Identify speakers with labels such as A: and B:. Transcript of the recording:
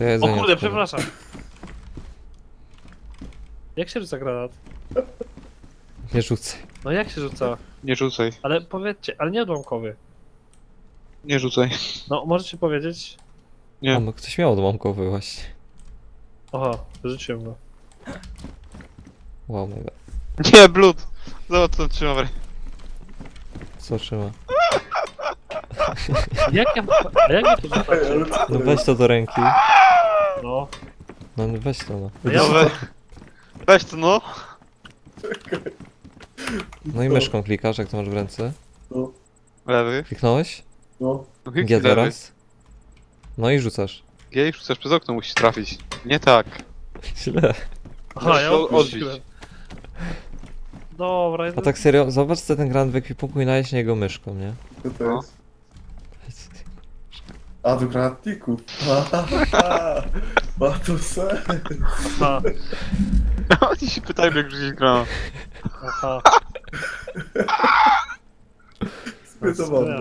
A: To ja
B: O
A: jedzenie
B: kurde,
A: odkładam.
B: przepraszam. Jak się rzuca granat?
A: Nie rzucaj.
B: No jak się rzuca?
C: Nie rzucaj.
B: Ale powiedzcie, ale nie odłamkowy.
C: Nie rzucaj.
B: No, możecie powiedzieć?
C: Nie.
A: A, no ktoś miał odłamkowy właśnie.
B: Aha, rzuciłem go.
A: Wow, mega.
C: Nie, Blood! Zobacz co trzymam w ręce.
A: Co trzyma?
B: Jak ja... A jak ja to rzucam?
A: No weź to do ręki.
B: No.
A: No weź to no.
B: No ja-
C: No weź to no.
A: No i myszką klikasz, jak to masz w ręce.
D: No,
C: Lewy.
A: Kliknąłeś?
D: no.
C: Kliknij
A: G
C: lewy.
A: teraz. No i rzucasz.
C: G i rzucasz przez okno, musisz trafić. Nie tak.
A: Źle.
B: Aha, ja
C: Możesz odbić.
B: odpuściłem. Dobra,
A: A tak serio, zobacz co ten granat w ekwipunku i najeść niego myszką, nie?
D: Co to
C: No.
D: jest? A, do granatników. Ma to sens.
B: Aha,
C: Oni się pytają jak rzucić granat.
B: aha.
D: Zbyt